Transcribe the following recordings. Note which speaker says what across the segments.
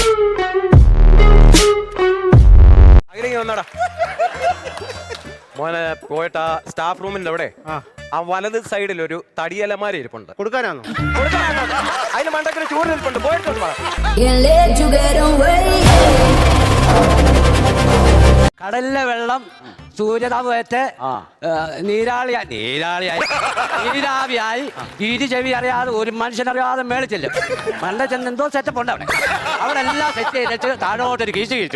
Speaker 1: അങ്ങനെ വന്നാടാ മോനെ. പോയിട്ട് സ്റ്റാഫ് റൂമിന്റെ അവിടെ ആ വലത് സൈഡിൽ ഒരു തടിയലമാര ഇരിപ്പുണ്ട്.
Speaker 2: കൊടുക്കാനാണോ?
Speaker 1: അതിന് മണ്ടക്കിന് ചൂട് ഇരിപ്പുണ്ട്. പോയിട്ടുണ്ട്.
Speaker 3: കടലിലെ വെള്ളം സൂര്യതാപേറ്റ് നീരാവിയായി ഇരു ചെവി അറിയാതെ ഒരു മനുഷ്യനറിയാതെ മേളിച്ചില്ല. മണ്ട ചെന്ന് എന്തോ സെറ്റപ്പ് ഉണ്ട് അവിടെ. അവിടെ എല്ലാം സെറ്റ് ചെയ്തിട്ട് താഴോട്ടൊരു കീച്ചു കീച്ചു.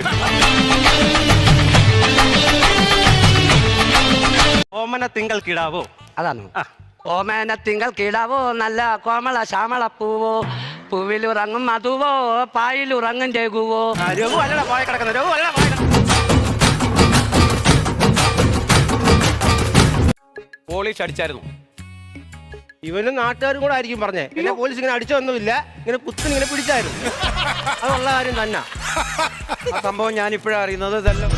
Speaker 2: ഓമന തിങ്കൾ കിടാവോ?
Speaker 3: അതാണ്. ഓമന തിങ്കൾ കിടാവോ, നല്ല കോമള ശ്യാമള പൂവോ, പൂവിലുറങ്ങും മധുവോ, പായിലുറങ്ങും രഘുവോ.
Speaker 2: രഘു അല്ലടാ പോയ കിടക്കുന്നത്. രഘു അല്ല പോയ.
Speaker 1: പോലീസ് അടിച്ചായിരുന്നു.
Speaker 2: ഇവനും നാട്ടുകാരും കൂടെ ആയിരിക്കും പറഞ്ഞേ. എന്നെ പോലീസ് ഇങ്ങനെ അടിച്ചൊന്നുമില്ല, ഇങ്ങനെ കുത്തിന് ഇങ്ങനെ പിടിച്ചായിരുന്നു. അതുള്ള കാര്യം തന്നെ.
Speaker 1: ആ സംഭവം ഞാൻ ഇപ്പോഴാണ് അറിയുന്നത്. ഇതെല്ലാം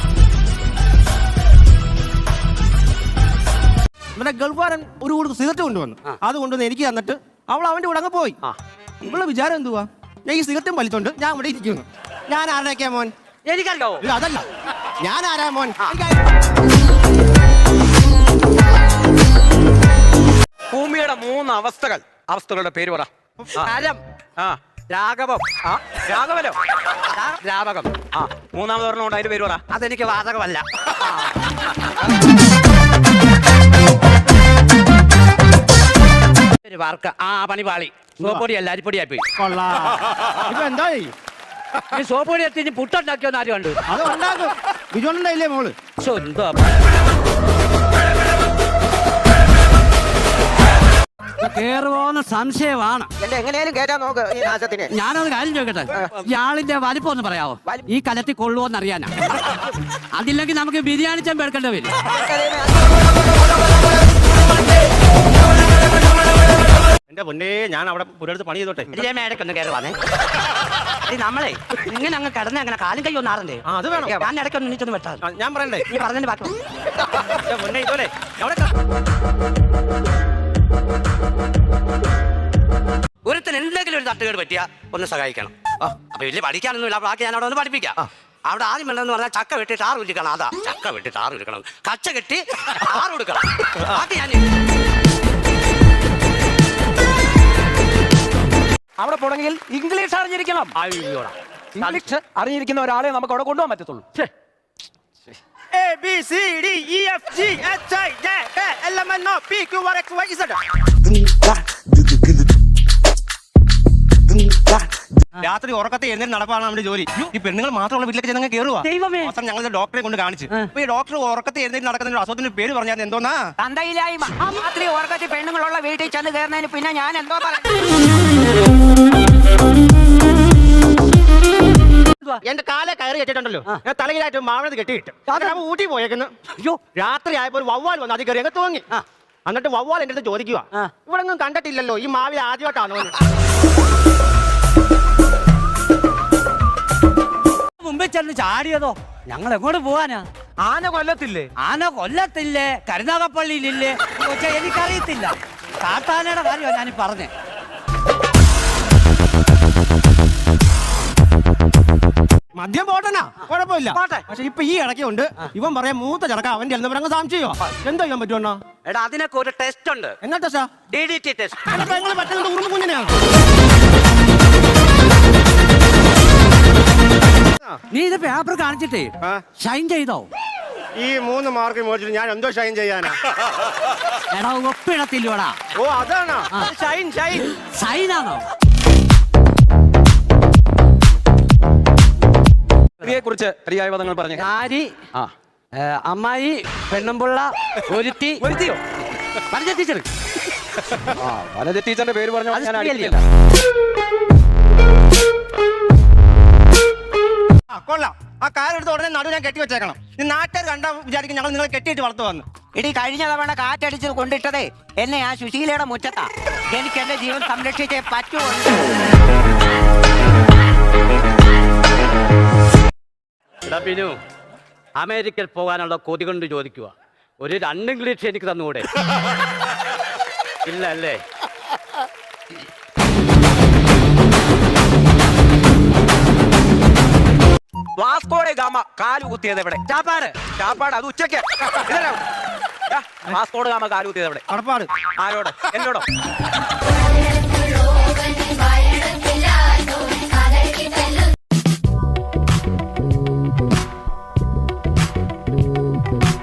Speaker 2: നമ്മുടെ ഗൾഫാരൻ ഒരു കൂടുതൽ സിഗരറ്റ് കൊണ്ടുവന്നു. അത് കൊണ്ടുവന്ന് എനിക്ക് തന്നിട്ട് അവൾ അവന്റെ കൂടെ അങ്ങ് പോയി. ഇവളെ വിചാരം എന്തുവാ, ഞാൻ ഈ സിഗരറ്റും വലിച്ചോണ്ട് ഞാൻ ഇവിടെ ഇരിക്കുന്നു. ഞാൻ ആരാക്കിയ മോൻ?
Speaker 3: എനിക്കല്ലോ.
Speaker 2: അതല്ല, ഞാൻ ആരാ മോൻ?
Speaker 1: ഭൂമിയുടെ 3 അവസ്ഥകളുടെ പേര് പറ.
Speaker 3: ഹരം,
Speaker 1: രാഘവം, രാഘവനോ, രാവകം. മൂന്നാമത് പറഞ്ഞുകൊണ്ട് അതിന്റെ പേര് പറ.
Speaker 3: അതെനിക്ക് വാതകമല്ല. വാർക്ക പണിപാളി. സോപ്പൊടിയല്ല, അരിപ്പൊടിയായി പോയി.
Speaker 2: ഇപ്പൊ എന്തായി?
Speaker 3: ഈ സോപ്പൊടി എത്തി പുട്ടുണ്ടാക്കിയോന്ന് ആരും കണ്ടു?
Speaker 2: അത് ഉണ്ടാക്കും. ബിജോണ്ടല്ലേ മോള്?
Speaker 3: എന്തോ കേറുവോന്ന് സംശയമാണ്.
Speaker 4: എങ്ങനെയാലും കേറ്റാൻ നോക്ക് ഈ നാശത്തിന്.
Speaker 3: ഞാനൊരു കാര്യം ചോദിക്കട്ടെ, ഇയാളിന്റെ വലിപ്പം ഒന്ന് പറയാവോ? ഈ കലത്തിൽ കൊള്ളുവോന്ന് അറിയാനാ. അതില്ലെങ്കിൽ നമുക്ക് ബിരിയാണി ചെമ്പ് എടുക്കേണ്ടി വരും.
Speaker 2: എന്റെ പൊന്നേ, ഞാൻ അവിടെ പുരടുത്ത് പണി ചെയ്തോട്ടെ.
Speaker 3: ഇടയ്ക്കൊന്ന് കയറുവാന്നേ. നമ്മളെ ഇങ്ങനെ അങ്ങ് കിടന്ന് അങ്ങനെ കാലും കൈ ഒന്നാറണ്ടേ?
Speaker 2: അത് വേണം.
Speaker 3: ഞാൻ ഇടയ്ക്കൊന്ന് നീച്ചൊന്ന് വെട്ടാ.
Speaker 2: ഞാൻ പറയണ്ടേ?
Speaker 3: നീ പറഞ്ഞതിന്റെ ബാക്കി
Speaker 2: പൊന്നെ ഇതോലെ
Speaker 3: ഒരുത്തിന് എന്തെങ്കിലും ഒരു തട്ടുകേട് പറ്റിയാ ഒന്ന് സഹായിക്കണം. അപ്പൊ വലിയ പഠിക്കാനൊന്നുമില്ല. ബാക്കി ഞാൻ അവിടെ ഒന്ന് പഠിപ്പിക്കാം. അവിടെ ആദ്യം വേണ്ടെന്ന് പറഞ്ഞാൽ ചക്ക വെട്ടി ടാറ് ഉരുക്കണം. അതാ ചക്ക വെട്ടി ടാറ് ഉരുക്കണം. കച്ച കെട്ടി ടാറ് കൊടുക്കണം. ബാക്കി ഞാൻ
Speaker 1: അവിടെ പോണെങ്കിൽ ഇംഗ്ലീഷ് അറിഞ്ഞിരിക്കണം. ഇംഗ്ലീഷ് അറിഞ്ഞിരിക്കുന്ന ഒരാളെ നമുക്ക് അവിടെ കൊണ്ടുപോകാൻ പറ്റത്തുള്ളൂ.
Speaker 2: രാത്രി ഉറക്കത്തെ എഴുന്നേറ്റ് നടപ്പാണ് നമ്മുടെ ജോലി. ഈ പെണ്ണുങ്ങൾ മാത്രമുള്ള വീട്ടിലേക്ക് ചെന്നങ്ങ് കയറുക. അവസാനം ഞങ്ങൾ ഡോക്ടറെ കൊണ്ട് കാണിച്ചു. അപ്പൊ ഈ ഡോക്ടർ ഉറക്കത്തെ എഴുന്നേറ്റ് നടക്കുന്ന അസുഖത്തിന്റെ പേര് പറഞ്ഞാൽ എന്തോന്നാ?
Speaker 4: തന്തയില്ലായ്മ. രാത്രി ഉറക്കത്തിൽ പെണ്ണുങ്ങളുള്ള വീട്ടിൽ ചെന്ന് കയറുന്നതിന് പിന്നെ ഞാൻ എന്തോ പറയാം.
Speaker 2: എന്റെ കാലെ കയറി കെട്ടിട്ടുണ്ടല്ലോ, ഞാൻ തലയിലായിട്ട് മാവണത് കെട്ടിയിട്ട് ഊട്ടി പോയേക്കുന്നു. അയ്യോ, രാത്രി ആയപ്പോൾ ഒരു വവ്വാൽ വന്നു. അത് കയറി അങ്ങ് തൂങ്ങി. എന്നിട്ട് വവ്വാൽ എന്റെ അടുത്ത് ചോദിക്കുക, ഇവിടെ ഒന്നും കണ്ടിട്ടില്ലല്ലോ, ഈ മാവിൽ ആദ്യമായിട്ടാണോ?
Speaker 3: മുമ്പിൽ ചെന്ന് ചാടിയതോ? ഞങ്ങൾ എങ്ങോട്ട് പോവാനാ?
Speaker 1: ആന കൊല്ലത്തില്ലേ?
Speaker 3: ആന കൊല്ലത്തില്ലേ, കരുനാഗപ്പള്ളിയിലില്ലേ? പക്ഷെ എനിക്കറിയത്തില്ല. കാട്ടാനയുടെ കാര്യമാണ് ഞാനീ പറഞ്ഞേ.
Speaker 2: മദ്യം പോട്ടനാ, കുഴപ്പമില്ല. പക്ഷെ ഇപ്പൊ ഈ ഇടയ്ക്കുണ്ട് ഇവൻ പറയാൻ മൂത്ത ചടക്ക അവന്റെ അങ്ങ് സംശയോ. എന്താ ചെയ്യാൻ പറ്റുമോ?
Speaker 3: എടാ, അതിനൊക്കെ ഒരു ടെസ്റ്റ് ഉണ്ട്.
Speaker 2: എന്നാ ടെസ്റ്റാ?
Speaker 3: DDT test.
Speaker 2: പറ്റുന്നത് ഉറുമ്പ് കുഞ്ഞിനെയാണ്.
Speaker 3: നീ ഇത് പേപ്പർ കാണിച്ചിട്ടേ ഷൈൻ ചെയ്തോ?
Speaker 2: ഈ 3 മാർക്ക് മേടിച്ചിട്ട് ഞാൻ എന്തോ ഷൈൻ ചെയ്യാനാ?
Speaker 3: എടാ, ഒപ്പിടത്തില്ലോടാ.
Speaker 2: ഓ, അതാണോ ഷൈൻ? ഷൈൻ
Speaker 3: ഷൈനാണോ?
Speaker 1: കുറിച്ച് പര്യായപദങ്ങൾ പറഞ്ഞു.
Speaker 3: ആരി, അമ്മായി, പെണ്ണുമ്പുള്ള, ഒരുത്തിയോ വനജ ടീച്ചർ.
Speaker 1: വനജ ടീച്ചറിന്റെ പേര് പറഞ്ഞു. ഞാൻ
Speaker 2: കൊള്ളാം. ആ കാലെടുത്ത് ഉടനെ നടു ഞാൻ കെട്ടി വെച്ചേക്കണം. ഈ നാട്ടുകാർ കണ്ടാ വിചാരിക്കും ഞങ്ങൾ നിങ്ങളെ കെട്ടിയിട്ട് വളർത്തു വന്നു.
Speaker 4: ഇടി കഴിഞ്ഞ തവണ കാറ്റടിച്ച് കൊണ്ടിട്ടതേ എന്നെ ആ സുശീലയുടെ മുറ്റത്താ. എനിക്ക് എന്റെ ജീവൻ സംരക്ഷിച്ചേ പറ്റുമോ?
Speaker 3: ബിനു, അമേരിക്കയിൽ പോകാനുള്ള കൊതി കൊണ്ട് ചോദിക്കുക. ഒരു 2 ഇംഗ്ലീഷ് എനിക്ക് തന്നുകൂടെ? ഇല്ല അല്ലേ?
Speaker 1: വാസ്കോടെ ഗാമ കാല് കുത്തിയത് എവിടെ?
Speaker 4: ചാപ്പാട്.
Speaker 1: ചാപ്പാട് അത് ഉച്ചയ്ക്ക്. ഇതരാ. വാസ്കോടെ ഗാമ കാല് കുത്തിയത് എവിടെ?
Speaker 4: കടപ്പാട്.
Speaker 1: ആരോട്? എന്നോടോ?